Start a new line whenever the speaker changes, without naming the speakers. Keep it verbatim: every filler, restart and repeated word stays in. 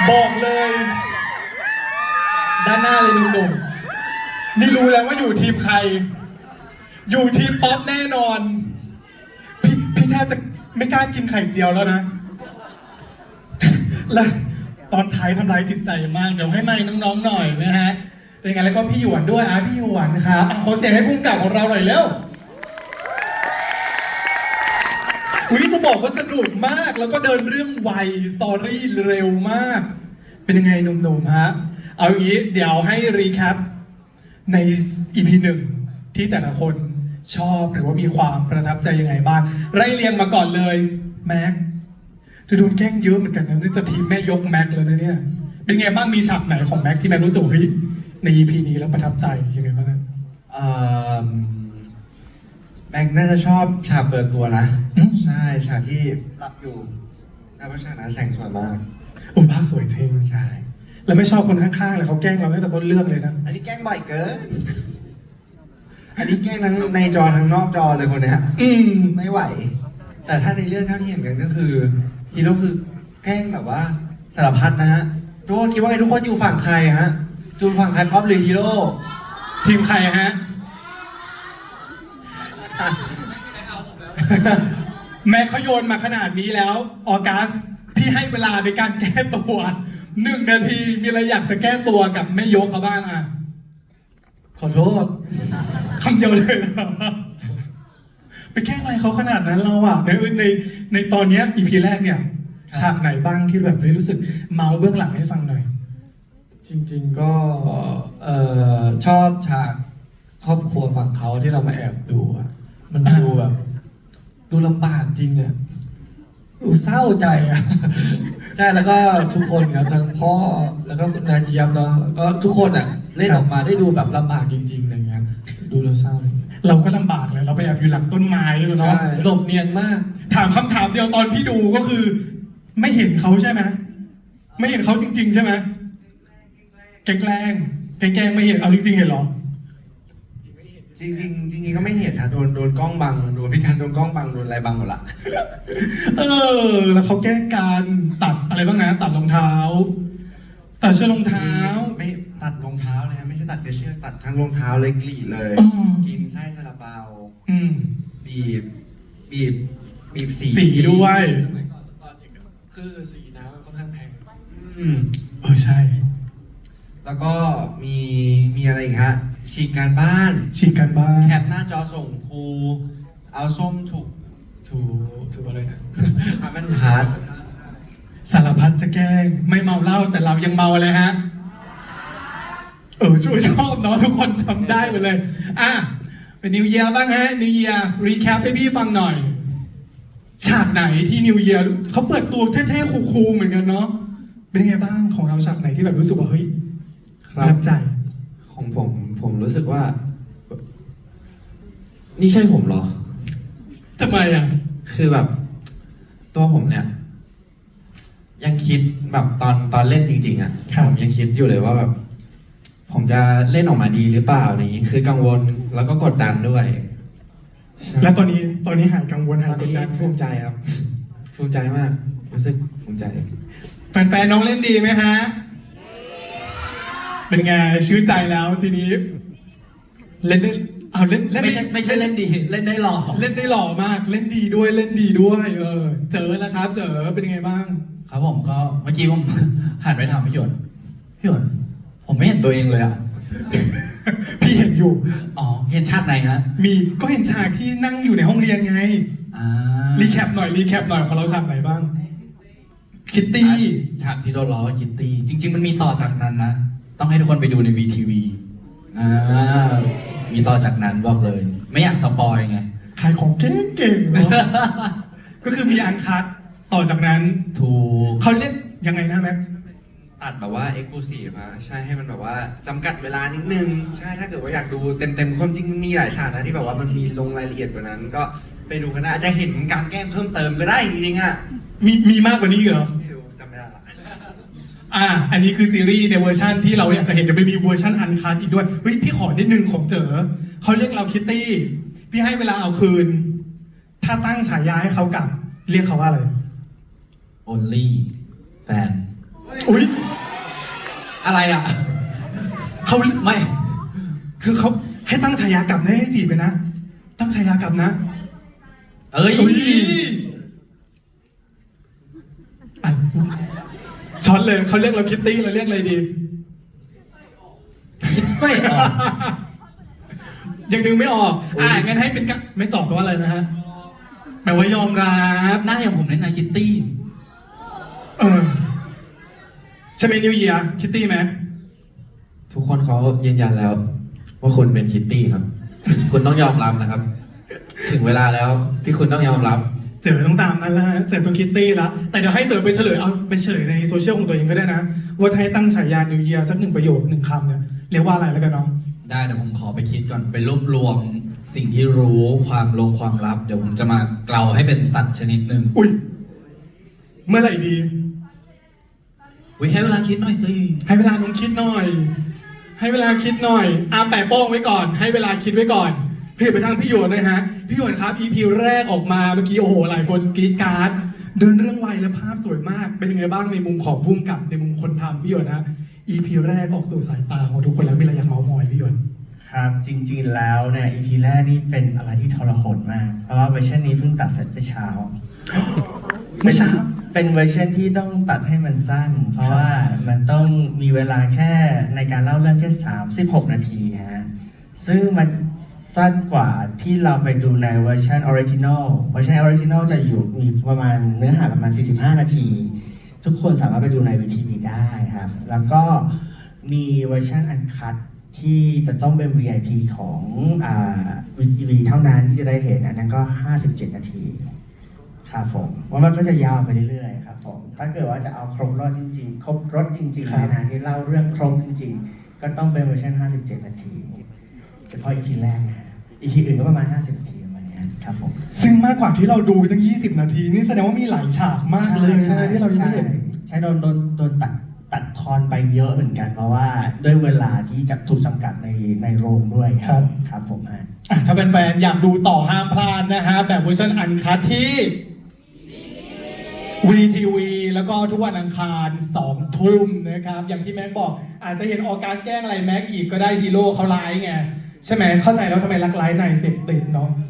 บอกเลยด้านหน้าเลยหนุ่มๆนี่รู้แล้วว่าอยู่ทีมใครอยู่ทีมป๊อปแน่นอนพี่พี่แทบจะไม่กล้ากินไข่เจียวแล้วนะแล้วตอนท้ายทำร้ายจิตใจมากเดี๋ยวให้ไมค์น้องๆหน่อยนะฮะเป็นไงแล้วก็พี่หยวนด้วยอ่ะพี่หยวนนะครับขอเสียงให้พุ่งกับของเราหน่อยเร็วอุ้ยจะบอกว่าสนุกมากแล้วก็เดินเรื่องไวสตอรี่เร็วมากเป็นยังไงหนุ่มๆฮะเอาอย่างนี้เดี๋ยวให้รีแคปใน อี พี หนึ่งที่แต่ละคนชอบหรือว่ามีความประทับใจยังไงบ้างไล่เรียงมาก่อนเลยแม็กจะโดนแกล้งเยอะเหมือนกันนะนี่จะทีมแม่ยกแม็กเลยนะเนี่ยเป็นไงบ้างมีฉากไหนของแม็กที่แม็กรู้สึกเฮ้ยใน อี พี นี้แล้วประทับใจยังไงบ้าง
เอ่อแม็กน่าจะชอบฉากเปิดตัวนะใช่ฉากที่หลับอยู่แล้วฉากนั้นแสงสวยมาก
โอ้ภาพสวยจริง
ใช่
แล้วไม่ชอบคนข้างๆเลยเขาแกล้งเราตั้งแต่ต้นเรื่องเลยนะ
อันนี้แกล้งบ่อยเกินอันนี้แกล้งทั้งในจอทั้งนอกจอเลยคนเนี้ย
อืม
ไม่ไหวแต่ถ้าในเรื่องเท่าที่เห็นกันก็คือฮีโร่คือแกล้งแบบว่าสารพัดนะฮะทุกคนคิดว่าไงทุกคนอยู่ฝั่งใครฮะอยู่ฝั่งใครป๊อปหรือฮีโร่
ทีมใครฮะแม้เขาโยนมาขนาดนี้แล้วออกัสพี่ให้เวลาในการแก้ตัวหนึ่งนาทีมีอะไรอยากจะแก้ตัวกับแม่ยกเขาบ้างอ่ะขอโทษคำเดียวเลยนะไปแกล้งอะไรเขาขนาดนั้นเราอ่ะในในในตอนนี้อีพีแรกเนี่ยฉากไหนบ้างที่แบบรู้สึกเมาเบื้องหลังให้ฟังหน่อย
จริงๆก็เอ่อชอบฉากครอบครัวฝั่งเขาที่เรามาแอบดูอะมันดูแบบ ดูลำบากจริงอะดูเศร้าใจอะใช่แล้วก็ทุกคนครับทั้งพ่อแล้วก็นายเจี๊ยบเนาะแล้วก็ทุกคนอะเล่นออกมาได้ดูแบบลำบากจริงๆอะไรเงี้ยดูแล้วเศร้าเลย
เราก็ลำบากเลยเราไปแอบอยู่หลังต้นไม้เลยเนาะ
หลบเนียนมาก
ถามคำถามเดียวตอนพี่ดูก็คือ ไม่เห็นเขาใช่ไหมไม่เห็นเขาจริงๆใช่ไหมแกล้งแกล้งแกล้งไม่เห็นเอาจริงๆเห็นหรอ
จริงจริงจริงๆก็ไม่เห็นนะโดนโดนกล้องบังโดนพี่การโดนกล้องบังโดนอะไรบังหมดละ
เออแล้วเขาแกล้งการตัดอะไรบ้างนะตัดรองเท้าตัดเชือกรองเท้า
ไม่ตัดรองเท้าเลยไม่ใช่ตัดเชือกตัดทั้งรองเท้าเลยกรีดเลยกินไส้ซาลาเปาบีบบีบบีบสี
สีด้วย
คือสีน้ำมันค่อนข้างแพง
อืมเออใช่
แล้วก็มีมีอะไรอีกฮะฉีกการบ้าน
ฉีกการบ้าน
แคปหน้าจอส่งครูเอาส้มถูก
ถูกถูกอะไรนะ
อามันฮาร์ด
สารพัดจะแกล้งไม่เมาเหล้าแต่เรายังเมาเลยฮะเออช่วยชอบเนาะทุกคนจำได้ไปเลยอ่ะเป็นนิวเยียร์บ้างฮะนิวเยียร์รีแคปให้พี่ฟังหน่อยฉากไหนที่นิวเยียร์เขาเปิดตัวเท่ๆคูลๆเหมือนกันเนาะเป็นไงบ้างของเราฉากไหนที่แบบรู้สึกว่าเฮ้ยประทับใจ
ของผมผมรู้สึกว่านี่ใช่ผมเหรอ
ทำไมอ่ะ
คือแบบตัวผมเนี่ยยังคิดแบบตอนตอนเล่นจริงๆอ่ะผมยังคิดอยู่เลยว่าแบบผมจะเล่นออกมาดีหรือเปล่าอย่างนี้คือกังวลแล้วก็กดดันด้วย
แล้วตอนนี้ตอนนี้หายกังวลหายกดดัน
ภูมิใจครับภูมิใจมากรู้สึกภูมิใจ
แฟนๆน้องเล่นดีไหมฮะเป็นไงชื่นใจแล้วทีนี้เล่นได้เอาเล่นเล่น
ไม่ใช่ไม่ใช่เล่นดีเล่นได้หล่อ
เล่นได้หล่อมากเล่นดีด้วยเล่นดีด้วยเออเจอแล้วครับเจอเป็นยังไงบ้าง
ครับผมก็เมื่อกี้ผมหันไปถามพี่หยวนพี่หยวนผมไม่เห็นตัวเองเลยอ่ะ
พี่เห็นอยู่
อ๋อเห็นฉากไหนฮะ
มีก็เห็นฉากที่นั่งอยู่ในห้องเรียนไง
อ่า
รีแคปหน่อยรีแคปหน่อยของเราฉากไหนบ้างคิตตี้
ฉากที่โดนล้อคิตตี้จริงๆมันมีต่อจากนั้นนะต้องให้ทุกคนไปดูใน วี ที วี อ่า มีต่อจากนั้นบอกเลย ไม่อยากสปอยไง
ขายของเก่งๆเนาะ ก็คือมีอันคัทต่อจากนั้น
ถูก
เขาเรียกยังไงนะแม็ก
ตัดแบบว่าเอ็กซ์คลูซีฟอะใช่ให้มันแบบว่าจำกัดเวลานิดนึงใช่ถ้าเกิดว่าอยากดูเต็มๆความจริงมันมีหลายฉากนะที่แบบว่ามันมีลงรายละเอียดกว่านั้นก็ไปดูกันนะอาจจะเห็นการแก้เพิ่มเติมก็ได้จริงๆอะ
มีมีมากกว่านี้เหรอ
จำไม่ได้ละ
อ่าอันนี้คือซีรีส์ในเวอร์ชันที่เราอยากจะเห็นจะไปมีเวอร์ชันอันคัทอีกด้วยเฮ้ยพี่ขอนิดนึงของเจอเขาเรียกเราคิตตี้พี่ให้เวลาเอาคืนถ้าตั้งฉายาให้เขากลับเรียกเขาว่าอะไร
only แฟน
อุ้ย
อะไรอ่ะ
เขา
ไม่
คือเขาให้ตั้งฉายากลับนะให้จีบกันนะ ตั้งฉายากลับนะ
เอ้ย
อุ้ยอ่ะช็อตเลยเขาเรียกเราคิตตี้เราเรียกอะไรดี
คิดไม่ออก
ยังนึกไม่ออก อ่างั้นให้เป็นกะไม่ตอบแปลว่าอะไรนะฮะแปลว่ายอมรับ
หน้าอย่างผมเล่นนายคิตตี้
เออใช่ไหมนิวเยียคิตตี้ไหม
ทุกคนเขายืนยันแล้ว ว่าคุณเป็นคิตตี้ครับ คุณต้องยอมรับนะครับ ถึงเวลาแล้วที่คุณต้องยอมรับ
เจอต้องตามนั้นละฮะเจอต้องคิตตี้ละแต่เดี๋ยวให้เจอไปเฉลยเอาไปเฉลยในโซเชียลของตัวเองก็ได้นะ ว่าถ้าให้ตั้งฉายานิวเยียสักหนึ่งประโยคหนึ่งคำเนี่ยเรียกว่าอะไรแล้วกันเนาะ
ได้เดี๋ยวผมขอไปคิดก่อนไปรวบรวมสิ่งที่รู้ความลงความลับ เดี๋ยวผมจะมาเกลาให้เป็นสัตว์ชนิดหนึ่ง
อุ้ยเมื่อไหร่ดี
วิให้เวลาคิดหน่อยสิ
ให้เวลาน้องคิดหน่อย ให้เวลาคิดหน่อยอาแปะโป้งไว้ก่อน ให้เวลาคิดไว้ก่อนพี่ไปทางพี่หยวนนะฮะ พี่หยวนครับ อี พี แรกออกมาเมื่อกี้โอ้โหหลายคนกรี๊ดกราร์ดเดินเรื่องไวและภาพสวยมาก เป็นยังไงบ้างในมุมของพุ่มกับในมุมคนทำพี่หยวนนะ อี พี แรกออกสู่สายตาของทุกคนแล้วมีอะไรอยากเมาส์มอยพี่หยวน
ครับจริงๆแล้วเนี่ย อี พี แรกนี่เป็นอะไรที่ทรหดมาก เพราะว่าเวอร์ชันนี้เพิ่งตัดเสร็จเมื่อเช้า
เมื่อเช้า
เป็นเวอร์ชันที่ต้องตัดให้มันสั้น เพราะว่ามันต้องมีเวลาแค่ในการเล่าเรื่องแค่สามสิบหกนาทีฮะซึ่งมันสั้นกว่าที่เราไปดูในเวอร์ชันออริจินอลเวอร์ชันออริจินอลจะอยู่มีประมาณเนื้อหาประมาณสี่สิบห้านาที ทุกคนสามารถไปดูในวีทีวีได้ครับ แล้วก็มีเวอร์ชันอันคัตที่จะต้องเป็น วี ไอ พี ของอ่า วี ที วี เท่านั้นที่จะได้เห็นอันนั้นก็ห้าสิบเจ็ดนาทีครับผมว่ามันก็จะยาวไปเรื่อยๆครับผมถ้าเกิดว่าจะเอาครบรถจริงๆ ครบรถจริงๆ
ครับ
นะที่เล่าเรื่องครบจริงๆ ก็ต้องเป็นเวอร์ชันห้าสิบเจ็ดนาทีเฉพาะ อี พี แรกนะฮะ อี พี อื่นก็ประมาณห้าสิบนาทีประมาณเนี้ยครับผม
ซึ่งมากกว่าที่เราดูตั้งยี่สิบนาทีนี่แสดงว่ามีหลายฉากมากเลยใช่ไหมที่เรายังไม่เห็น
ใช่โดนโดนโดนตัดตัดทอนไปเยอะเหมือนกัน เพราะว่าด้วยเวลาที่จะถูกจำกัดในในโรงด้วยค
ครั
รับ ครับผมฮะ
อ่ะถ้าแฟนๆอยากดูต่อห้ามพลาดนะฮะ แบบเวอร์ชันอันคัทที่ วี ที วี แล้วก็ทุกวันอังคารสองทุ่มนะครับ อย่างที่แม็กบอก อาจจะเห็นออกัสแกล้งอะไรแม็กอีกก็ได้ฮีโร่เขาไลฟ์ไง ใช่ไหมเข้าใจแล้วทำไมรักไลฟ์ในเสพติดเนาะ